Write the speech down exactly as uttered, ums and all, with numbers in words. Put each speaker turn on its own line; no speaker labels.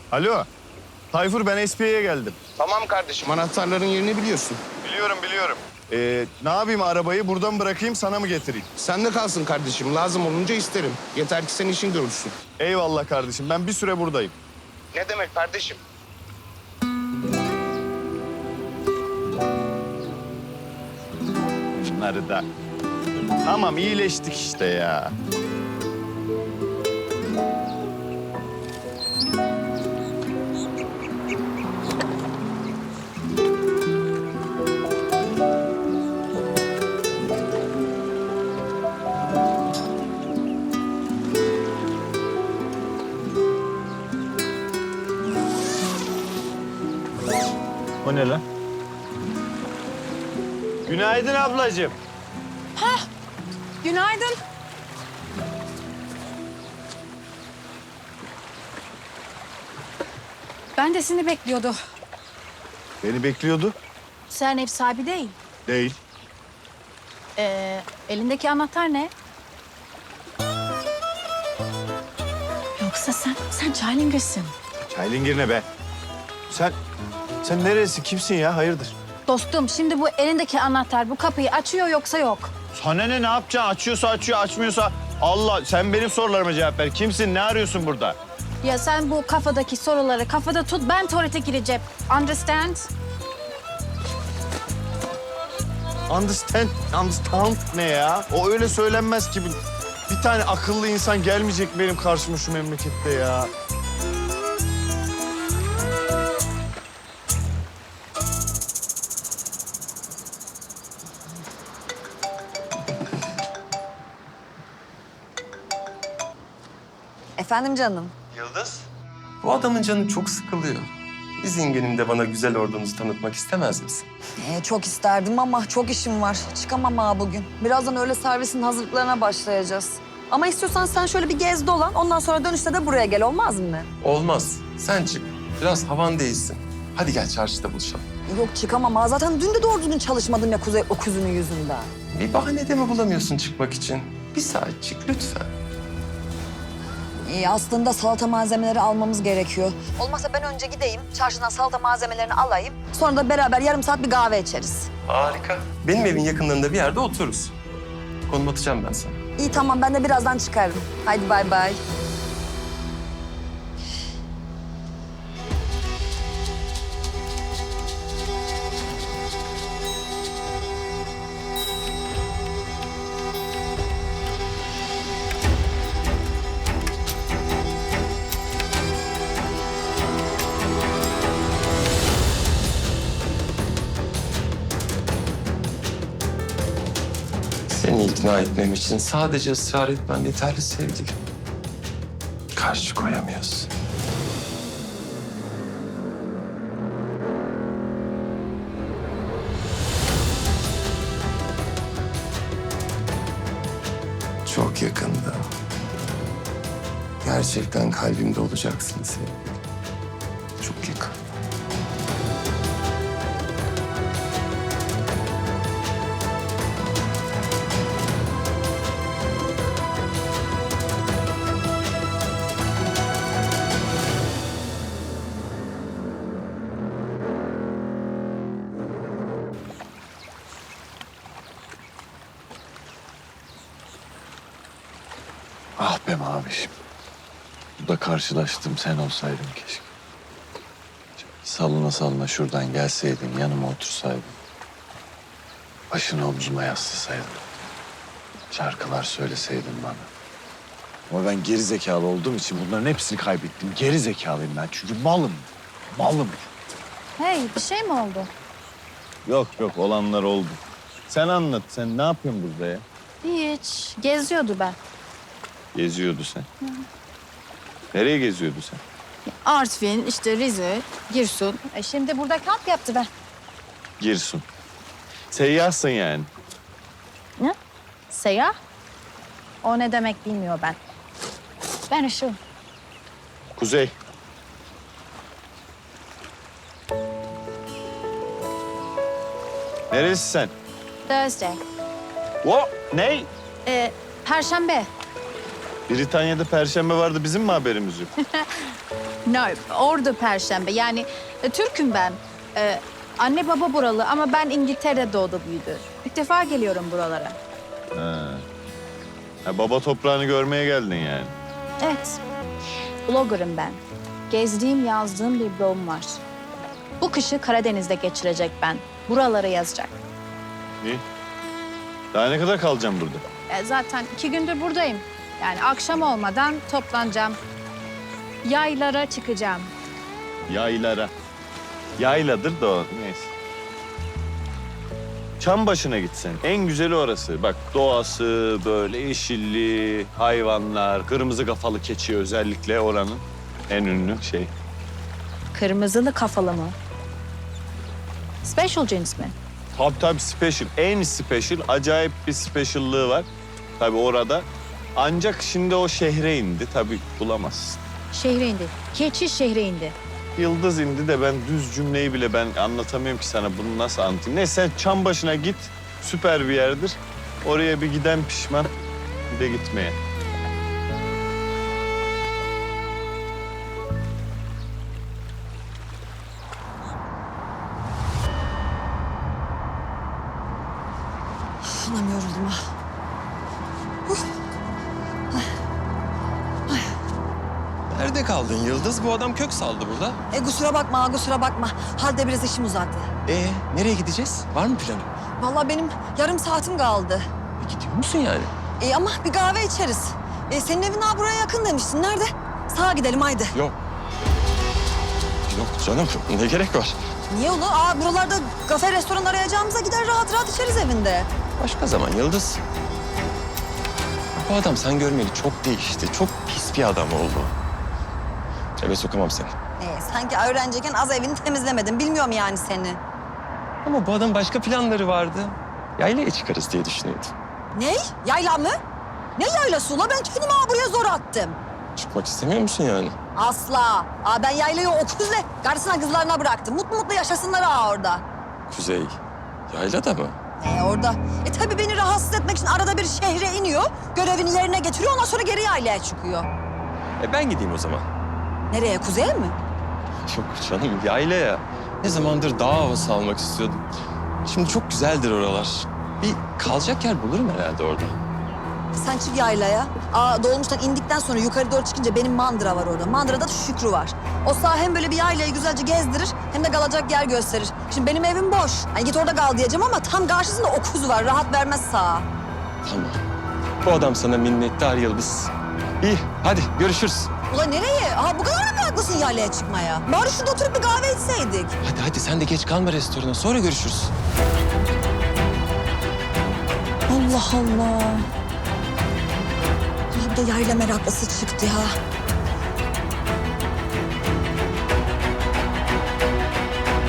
Alo. Tayfur ben S P Y'ye geldim.
Tamam kardeşim, anahtarların yerini biliyorsun.
Biliyorum biliyorum. Ee, ne yapayım arabayı buradan bırakayım sana mı getireyim?
Sen de kalsın kardeşim, lazım olunca isterim. Yeter ki sen işin görülsün.
Eyvallah kardeşim ben bir süre buradayım.
Ne demek kardeşim?
Bunları da. Tamam iyileştik işte ya. O ne lan? Günaydın ablacığım.
Günaydın. Ben de seni bekliyordu.
Beni bekliyordu.
Sen ev sahibi değil.
Değil.
Ee, elindeki anahtar ne? Yoksa sen, sen Çaylingir'sin.
Çaylingir ne be? Sen, sen neresi? Kimsin ya? Hayırdır?
Dostum şimdi bu elindeki anahtar bu kapıyı açıyor yoksa yok.
Sana ne? Ne yapacaksın? Açıyorsa açıyor, açmıyorsa... Allah, sen benim sorularıma cevap ver. Kimsin? Ne arıyorsun burada?
Ya sen bu kafadaki soruları kafada tut, ben tuvalete gireceğim. Understand?
Understand, understand ne ya? O öyle söylenmez ki. Bir tane akıllı insan gelmeyecek benim karşıma şu memlekette ya.
Efendim canım.
Yıldız? Bu adamın canı çok sıkılıyor. İzin gününde bana güzel ordunuzu tanıtmak istemez misin?
Ee, çok isterdim ama çok işim var. Çıkamam ha bugün. Birazdan öğle servisinin hazırlıklarına başlayacağız. Ama istiyorsan sen şöyle bir gez dolan. Ondan sonra dönüşte de buraya gel, olmaz mı?
Olmaz. Sen çık. Biraz havan değilsin. Hadi gel çarşıda buluşalım.
Yok çıkamam ha. Zaten dün de doğru düzgün çalışmadım ya Kuzey öküzünün yüzünden.
Bir bahane de mi bulamıyorsun çıkmak için? Bir saat çık lütfen.
İyi, aslında salata malzemeleri almamız gerekiyor. Olmazsa ben önce gideyim, çarşıdan salata malzemelerini alayım. Sonra da beraber yarım saat bir kahve içeriz.
Harika. Benim evin yakınlarında bir yerde otururuz. Konum atacağım ben sana.
İyi tamam, ben de birazdan çıkarım. Haydi bay bay.
Seni ikna etmem için sadece ısrar etmen yeterli sevgilim. Karşı koyamıyorsun. Çok yakında. Gerçekten kalbimde olacaksın sevgilim. Çok yakın.
Ah be mavişim. Bu da karşılaştım sen olsaydın keşke. Salına salına şuradan gelseydin, yanıma otursaydın. Başını omzuma yaslasaydın. Şarkılar söyleseydin bana. Ama ben geri zekalı olduğum için bunların hepsini kaybettim. Geri zekalıyım ben çünkü malım. Malım.
Hey, bir şey mi oldu?
Yok yok olanlar oldu. Sen anlat. Sen ne yapıyorsun burada ya?
Hiç. Geziyordu ben.
Geziyordu sen. Nereye geziyordu sen?
Artvin, işte Rize, Girsun. E şimdi burada kamp yaptı ben.
Girsun. Seyyahsın yani.
Ne? Seyyah? O ne demek bilmiyor ben. Ben ışığım.
Kuzey. Neresi sen?
Thursday.
O ne?
Ee, Perşembe.
Britanya'da Perşembe vardı, bizim mi haberimiz yok?
No, orada Perşembe. Yani e, Türk'üm ben. E, anne baba buralı ama ben İngiltere'de doğdu büyüdü. İlk defa geliyorum buralara.
Ha. Ha, baba toprağını görmeye geldin yani.
Evet. Blogger'ım ben. Gezdiğim, yazdığım bir blogum var. Bu kışı Karadeniz'de geçirecek ben. Buraları yazacak.
İyi. Daha ne kadar kalacağım burada?
E, zaten iki gündür buradayım. Yani akşam olmadan toplanacağım. Yaylara çıkacağım.
Yaylara. Yayladır da o, neyse. Çam başına gitsen. En güzeli orası. Bak doğası böyle yeşilli, hayvanlar, kırmızı kafalı keçi özellikle oranın en ünlü şey.
Kırmızılı kafalı mı? Special cins mi?
Tabii tabii special. En special, acayip bir speciallığı var. Tabii orada. Ancak şimdi o şehre indi. Tabii bulamazsın.
Şehre indi. Keçi şehre indi.
Yıldız indi de ben düz cümleyi bile ben anlatamıyorum ki sana. Bunu nasıl anlatayım? Neyse sen çam başına git. Süper bir yerdir. Oraya bir giden pişman. Bir de gitmeye.
Anam yoruldum ha.
Nerede kaldın Yıldız? Bu adam kök saldı burada.
E kusura bakma, ha, kusura bakma. Halde biraz işim uzadı.
Ee, nereye gideceğiz? Var mı planı?
Vallahi benim yarım saatim kaldı.
E, gidiyor musun yani?
E ama bir kahve içeriz. E, senin evin ha buraya yakın demiştin. Nerede? Sağa gidelim haydi.
Yok. Yok canım, ne gerek var?
Niye oğlum? Aa buralarda kafe, restoran arayacağımıza gider rahat rahat içeriz evinde.
Başka zaman Yıldız. Bu adam sen görmeli çok değişti. Çok pis bir adam oldu. Eve sokamam seni.
E, sanki öğrenciyken az evini temizlemedin. Bilmiyorum yani seni.
Ama bu adamın başka planları vardı. Yaylaya çıkarız diye düşünüyordum.
Ne? Yayla mı? Ne yaylası ula? Ben kendimi ha buraya zor attım.
Çıkmak istemiyor musun yani?
Asla. Aa, ben yaylayı o kuzle karısına kızlarına bıraktım. Mutlu mutlu yaşasınlar ha orada.
Kuzey, yayla da mı?
Ee, orada. E tabii beni rahatsız etmek için arada bir şehre iniyor. Görevini yerine getiriyor. Ondan sonra geri yaylaya çıkıyor.
E ben gideyim o zaman.
Nereye? Kuzeye mi?
Yok canım, yaylaya. Ne zamandır dağ havası almak istiyordum. Şimdi çok güzeldir oralar. Bir kalacak yer bulurum herhalde orada.
Sen çık yaylaya. Aa, dolmuştan indikten sonra yukarı doğru çıkınca benim mandıra var orada. Mandırada da Şükrü var. O sağ hem böyle bir yaylayı güzelce gezdirir hem de kalacak yer gösterir. Şimdi benim evim boş. Hani git orada kal diyeceğim ama tam karşısında okuz var. Rahat vermez sağa.
Tamam. Bu adam sana minnettar Yıldız. İyi, hadi görüşürüz.
Ulan nereye? Aa, bu kadar mı meraklısın yaylaya çıkmaya? Bari şurada oturup bir kahve içseydik.
Hadi hadi sen de geç kalma restorana. Sonra görüşürüz.
Allah Allah. Ya bir de yayla meraklısı çıktı ya.